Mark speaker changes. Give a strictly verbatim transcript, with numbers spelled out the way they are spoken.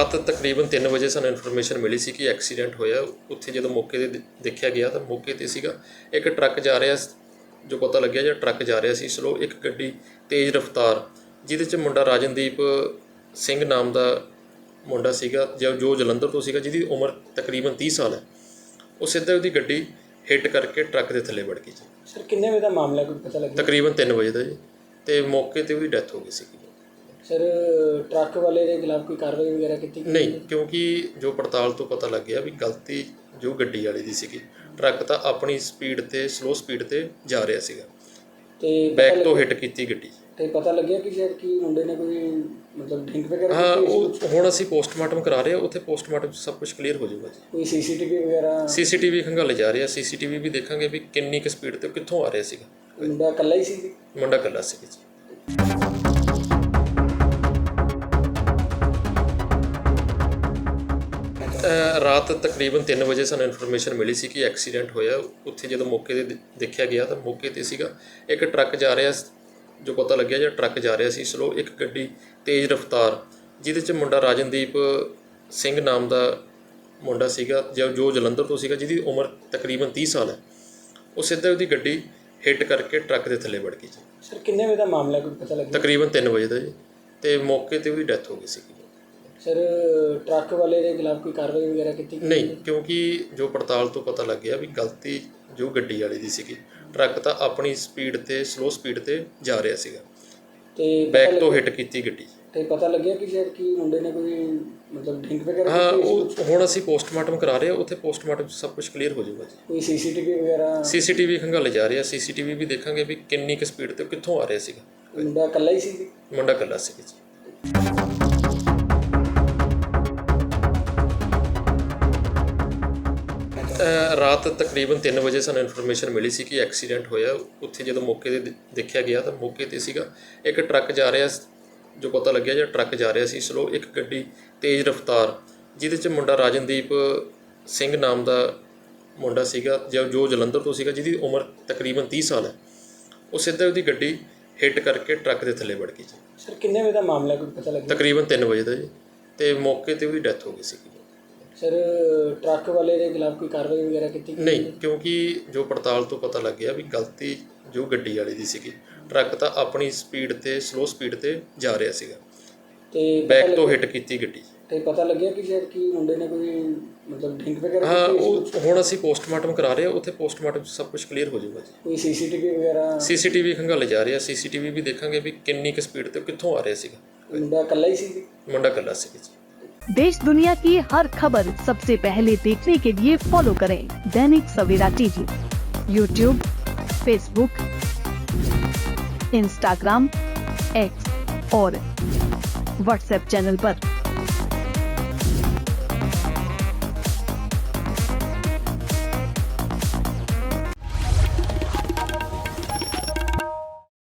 Speaker 1: ਰਾਤ ਤਕਰੀਬਨ ਤਿੰਨ ਵਜੇ ਸਾਨੂੰ ਇਨਫੋਰਮੇਸ਼ਨ ਮਿਲੀ ਸੀ ਕਿ ਐਕਸੀਡੈਂਟ ਹੋਇਆ। ਉੱਥੇ ਜਦੋਂ ਮੌਕੇ 'ਤੇ ਦੇ- ਦੇਖਿਆ ਗਿਆ ਤਾਂ ਮੌਕੇ 'ਤੇ ਸੀਗਾ ਇੱਕ ਟਰੱਕ ਜਾ ਰਿਹਾ, ਜੋ ਪਤਾ ਲੱਗਿਆ ਜਿਹੜਾ ਟਰੱਕ ਜਾ ਰਿਹਾ ਸੀ ਸਲੋ, ਇੱਕ ਗੱਡੀ ਤੇਜ਼ ਰਫ਼ਤਾਰ ਜਿਹਦੇ 'ਚ ਮੁੰਡਾ ਰਾਜਨਦੀਪ ਸਿੰਘ ਨਾਮ ਦਾ ਮੁੰਡਾ ਸੀਗਾ ਜੋ ਜੋ ਜਲੰਧਰ ਤੋਂ ਸੀਗਾ, ਜਿਹਦੀ ਉਮਰ ਤਕਰੀਬਨ ਤੀਹ ਸਾਲ ਹੈ। ਉਹ ਸਿੱਧਾ ਉਹਦੀ ਗੱਡੀ ਹਿੱਟ ਕਰਕੇ ਟਰੱਕ ਦੇ ਥੱਲੇ ਵੜ ਗਈ ਜੀ।
Speaker 2: ਸਰ ਕਿੰਨੇ ਵਜੇ ਦਾ ਮਾਮਲਾ ਕੋਈ ਪਤਾ ਲੱਗਿਆ?
Speaker 1: ਤਕਰੀਬਨ ਤਿੰਨ ਵਜੇ ਦਾ ਜੀ, ਅਤੇ ਮੌਕੇ 'ਤੇ ਉਹਦੀ ਡੈਥ ਹੋ ਗਈ ਸੀਗੀ।
Speaker 2: ਸਰ ਟਰੱਕ ਵਾਲੇ ਦੇ ਖਿਲਾਫ ਕੋਈ ਕਾਰਵਾਈ ਵਗੈਰਾ ਕੀਤੀ ਗਈ?
Speaker 1: ਨਹੀਂ, ਕਿਉਂਕਿ ਜੋ ਪੜਤਾਲ ਤੋਂ ਪਤਾ ਲੱਗਿਆ ਵੀ ਗਲਤੀ ਜੋ ਗੱਡੀ ਵਾਲੀ ਦੀ ਸੀਗੀ। ਟਰੱਕ ਤਾਂ ਆਪਣੀ ਸਪੀਡ 'ਤੇ ਸਲੋ ਸਪੀਡ 'ਤੇ ਜਾ ਰਿਹਾ ਸੀਗਾ,
Speaker 2: ਤੇ
Speaker 1: ਬੈਕ ਤੋਂ ਹਿੱਟ ਕੀਤੀ ਗੱਡੀ।
Speaker 2: ਤੇ ਪਤਾ ਲੱਗਿਆ ਕਿ ਸ਼ਾਇਦ ਕਿ ਮੁੰਡੇ ਨੇ ਕੋਈ ਮਤਲਬ ਡਰਿੰਕ ਵਗੈਰਾ
Speaker 1: ਹਾਂ,
Speaker 2: ਕੀਤੀ?
Speaker 1: ਉਹ ਹੁਣ ਅਸੀਂ ਪੋਸਟਮਾਰਟਮ ਕਰਾ ਰਹੇ ਹਾਂ, ਉੱਥੇ ਪੋਸਟਮਾਰਟਮ 'ਚ ਸਭ ਕੁਝ ਕਲੀਅਰ ਹੋ ਜਾਊਗਾ ਜੀ।
Speaker 2: ਕੋਈ ਸੀਸੀਟੀਵੀ ਵਗੈਰਾ?
Speaker 1: ਸੀਸੀਟੀਵੀ ਖੰਗਾਲੇ ਜਾ ਰਹੇ ਆ, ਸੀਸੀਟੀਵੀ ਵੀ ਦੇਖਾਂਗੇ ਵੀ ਕਿੰਨੀ ਕੁ ਸਪੀਡ 'ਤੇ ਕਿੱਥੋਂ ਆ ਰਿਹਾ ਸੀਗਾ।
Speaker 2: ਮੁੰਡਾ ਇਕੱਲਾ ਹੀ ਸੀ ਜੀ?
Speaker 1: ਮੁੰਡਾ ਇਕੱਲਾ ਸੀਗਾ ਜੀ। ਅ, ਰਾਤ ਤਕਰੀਬਨ ਤਿੰਨ ਵਜੇ ਸਾਨੂੰ ਇਨਫੋਰਮੇਸ਼ਨ ਮਿਲੀ ਸੀ ਕਿ ਐਕਸੀਡੈਂਟ ਹੋਇਆ। ਉੱਥੇ ਜਦੋਂ ਮੌਕੇ 'ਤੇ ਦੇ- ਦੇਖਿਆ ਗਿਆ ਤਾਂ ਮੌਕੇ 'ਤੇ ਸੀਗਾ ਇੱਕ ਟਰੱਕ ਜਾ ਰਿਹਾ, ਜੋ ਪਤਾ ਲੱਗਿਆ ਜਿਹੜਾ ਟਰੱਕ ਜਾ ਰਿਹਾ ਸੀ ਸਲੋ, ਇੱਕ ਗੱਡੀ ਤੇਜ਼ ਰਫ਼ਤਾਰ ਜਿਹਦੇ 'ਚ ਮੁੰਡਾ ਰਾਜਨਦੀਪ ਸਿੰਘ ਨਾਮ ਦਾ ਮੁੰਡਾ ਸੀਗਾ ਜੋ ਜੋ ਜਲੰਧਰ ਤੋਂ ਸੀਗਾ, ਜਿਹਦੀ ਉਮਰ ਤਕਰੀਬਨ ਤੀਹ ਸਾਲ ਹੈ। ਉਹ ਸਿੱਧਾ ਉਹਦੀ ਗੱਡੀ ਹਿੱਟ ਕਰਕੇ ਟਰੱਕ ਦੇ ਥੱਲੇ ਵੜ ਗਈ ਜੀ।
Speaker 2: ਸਰ ਕਿੰਨੇ ਵਜੇ ਦਾ ਮਾਮਲਾ ਕੋਈ ਪਤਾ ਲੱਗਿਆ?
Speaker 1: ਤਕਰੀਬਨ ਤਿੰਨ ਵਜੇ ਦਾ ਜੀ, ਅਤੇ ਮੌਕੇ 'ਤੇ ਉਹਦੀ ਡੈਥ ਹੋ ਗਈ ਸੀਗੀ।
Speaker 2: ਸਰ ਟਰੱਕ ਵਾਲੇ ਦੇ ਖਿਲਾਫ ਕੋਈ ਕਾਰਵਾਈ ਵਗੈਰਾ ਕੀਤੀ ਗਈ?
Speaker 1: ਨਹੀਂ, ਕਿਉਂਕਿ ਜੋ ਪੜਤਾਲ ਤੋਂ ਪਤਾ ਲੱਗਿਆ ਵੀ ਗਲਤੀ ਜੋ ਗੱਡੀ ਵਾਲੀ ਦੀ ਸੀਗੀ। ਟਰੱਕ ਤਾਂ ਆਪਣੀ ਸਪੀਡ 'ਤੇ ਸਲੋ ਸਪੀਡ 'ਤੇ ਜਾ ਰਿਹਾ ਸੀਗਾ,
Speaker 2: ਤੇ
Speaker 1: ਬੈਕ ਤੋਂ ਹਿੱਟ ਕੀਤੀ ਗੱਡੀ।
Speaker 2: ਤੇ ਪਤਾ ਲੱਗਿਆ ਕਿ ਸ਼ਾਇਦ ਕਿ ਮੁੰਡੇ ਨੇ ਕੋਈ ਮਤਲਬ ਡਰਿੰਕ ਵਗੈਰਾ
Speaker 1: ਹਾਂ,
Speaker 2: ਕੀਤੀ?
Speaker 1: ਉਹ ਹੁਣ ਅਸੀਂ ਪੋਸਟਮਾਰਟਮ ਕਰਾ ਰਹੇ ਹਾਂ, ਉੱਥੇ ਪੋਸਟਮਾਰਟਮ 'ਚ ਸਭ ਕੁਝ ਕਲੀਅਰ ਹੋ ਜਾਊਗਾ ਜੀ।
Speaker 2: ਕੋਈ ਸੀਸੀਟੀਵੀ ਵਗੈਰਾ?
Speaker 1: ਸੀਸੀਟੀਵੀ ਖੰਗਾਲੇ ਜਾ ਰਹੇ ਆ, ਸੀਸੀਟੀਵੀ ਵੀ ਦੇਖਾਂਗੇ ਵੀ ਕਿੰਨੀ ਕੁ ਸਪੀਡ 'ਤੇ ਕਿੱਥੋਂ ਆ ਰਿਹਾ ਸੀਗਾ।
Speaker 2: ਮੁੰਡਾ ਇਕੱਲਾ ਹੀ ਸੀ ਜੀ?
Speaker 1: ਮੁੰਡਾ ਇਕੱਲਾ ਸੀਗਾ ਜੀ। ਅ, ਰਾਤ ਤਕਰੀਬਨ ਤਿੰਨ ਵਜੇ ਸਾਨੂੰ ਇਨਫੋਰਮੇਸ਼ਨ ਮਿਲੀ ਸੀ ਕਿ ਐਕਸੀਡੈਂਟ ਹੋਇਆ। ਉੱਥੇ ਜਦੋਂ ਮੌਕੇ 'ਤੇ ਦੇ- ਦੇਖਿਆ ਗਿਆ ਤਾਂ ਮੌਕੇ 'ਤੇ ਸੀਗਾ ਇੱਕ ਟਰੱਕ ਜਾ ਰਿਹਾ, ਜੋ ਪਤਾ ਲੱਗਿਆ ਜਿਹੜਾ ਟਰੱਕ ਜਾ ਰਿਹਾ ਸੀ ਸਲੋ, ਇੱਕ ਗੱਡੀ ਤੇਜ਼ ਰਫ਼ਤਾਰ ਜਿਹਦੇ 'ਚ ਮੁੰਡਾ ਰਾਜਨਦੀਪ ਸਿੰਘ ਨਾਮ ਦਾ ਮੁੰਡਾ ਸੀਗਾ ਜੋ ਜੋ ਜਲੰਧਰ ਤੋਂ ਸੀਗਾ, ਜਿਹਦੀ ਉਮਰ ਤਕਰੀਬਨ ਤੀਹ ਸਾਲ ਹੈ। ਉਹ ਸਿੱਧਾ ਉਹਦੀ ਗੱਡੀ ਹਿੱਟ ਕਰਕੇ ਟਰੱਕ ਦੇ ਥੱਲੇ ਵੜ ਗਈ ਜੀ।
Speaker 2: ਸਰ ਕਿੰਨੇ ਵਜੇ ਦਾ ਮਾਮਲਾ ਕੋਈ ਪਤਾ ਲੱਗਿਆ?
Speaker 1: ਤਕਰੀਬਨ ਤਿੰਨ ਵਜੇ ਦਾ ਜੀ, ਅਤੇ ਮੌਕੇ 'ਤੇ ਉਹਦੀ ਡੈਥ ਹੋ ਗਈ ਸੀਗੀ।
Speaker 2: ਸਰ ਟਰੱਕ ਵਾਲੇ ਦੇ ਖਿਲਾਫ ਕੋਈ ਕਾਰਵਾਈ ਵਗੈਰਾ ਕੀਤੀ ਗਈ?
Speaker 1: ਨਹੀਂ, ਕਿਉਂਕਿ ਜੋ ਪੜਤਾਲ ਤੋਂ ਪਤਾ ਲੱਗਿਆ ਵੀ ਗਲਤੀ ਜੋ ਗੱਡੀ ਵਾਲੀ ਦੀ ਸੀਗੀ। ਟਰੱਕ ਤਾਂ ਆਪਣੀ ਸਪੀਡ 'ਤੇ ਸਲੋ ਸਪੀਡ 'ਤੇ ਜਾ ਰਿਹਾ ਸੀਗਾ,
Speaker 2: ਤੇ
Speaker 1: ਬੈਕ ਤੋਂ ਹਿੱਟ ਕੀਤੀ ਗੱਡੀ।
Speaker 2: ਤੇ ਪਤਾ ਲੱਗਿਆ ਕਿ ਸ਼ਾਇਦ ਕਿ ਮੁੰਡੇ ਨੇ ਕੋਈ ਮਤਲਬ ਡਰਿੰਕ ਵਗੈਰਾ
Speaker 1: ਹਾਂ,
Speaker 2: ਕੀਤੀ?
Speaker 1: ਉਹ ਹੁਣ ਅਸੀਂ ਪੋਸਟਮਾਰਟਮ ਕਰਾ ਰਹੇ ਹਾਂ, ਉੱਥੇ ਪੋਸਟਮਾਰਟਮ 'ਚ ਸਭ ਕੁਝ ਕਲੀਅਰ ਹੋ ਜਾਊਗਾ ਜੀ।
Speaker 2: ਕੋਈ ਸੀਸੀਟੀਵੀ ਵਗੈਰਾ?
Speaker 1: ਸੀਸੀਟੀਵੀ ਖੰਗਾਲੇ ਜਾ ਰਹੇ ਆ, ਸੀਸੀਟੀਵੀ ਵੀ ਦੇਖਾਂਗੇ ਵੀ ਕਿੰਨੀ ਕੁ ਸਪੀਡ 'ਤੇ ਕਿੱਥੋਂ ਆ ਰਿਹਾ ਸੀਗਾ।
Speaker 2: ਮੁੰਡਾ ਇਕੱਲਾ ਹੀ ਸੀ ਜੀ?
Speaker 1: ਮੁੰਡਾ ਇਕੱਲਾ ਸੀਗਾ ਜੀ।
Speaker 3: देश दुनिया की हर खबर सबसे पहले देखने के लिए फॉलो करें Dainik Savera TV, YouTube, Facebook, Instagram, X और व्हाट्सएप चैनल पर।